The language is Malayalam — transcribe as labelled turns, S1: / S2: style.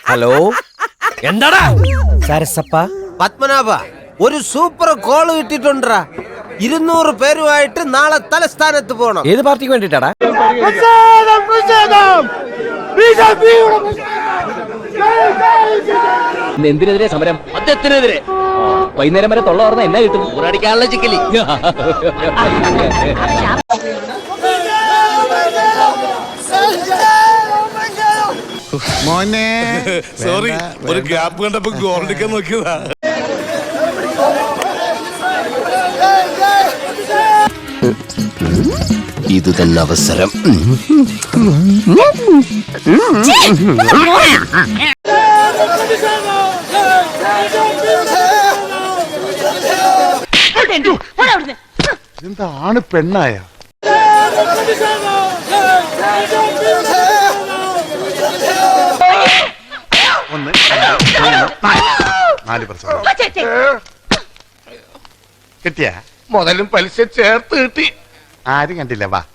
S1: ഹലോ,
S2: എന്താടാ
S1: സരസപ്പ?
S3: പത്മനാഭ, ഒരു സൂപ്പർ കോള് കിട്ടിട്ടുണ്ടാ. 200 പേരുമായിട്ട് നാളെ തലസ്ഥാനത്ത് പോണം.
S1: ഏത് പാർട്ടിക്ക് വേണ്ടിട്ടാടാ?
S4: എന്തിനെതിരെ സമരം? അദ്ദേഹത്തിനെതിരെ. വൈകുന്നേരം വരെ തൊള്ള പറഞ്ഞ എന്നാ കിട്ടും? ഊറടിക്കാനുള്ള ചിക്കലി.
S5: മോനെ
S6: സോറി, ഒരു ഗ്യാപ്പ് കണ്ടപ്പോ ഗോൾഡിക്കാൻ നോക്കിയതാ.
S3: ഇത് തന്നെ അവസരം.
S5: എന്താണ് പെണ്ണായ? ഒന്ന്, നാല് കിട്ടിയ
S6: മുതലും പലിശ ചേർത്ത് കിട്ടി.
S5: ആരും കണ്ടില്ല. വാ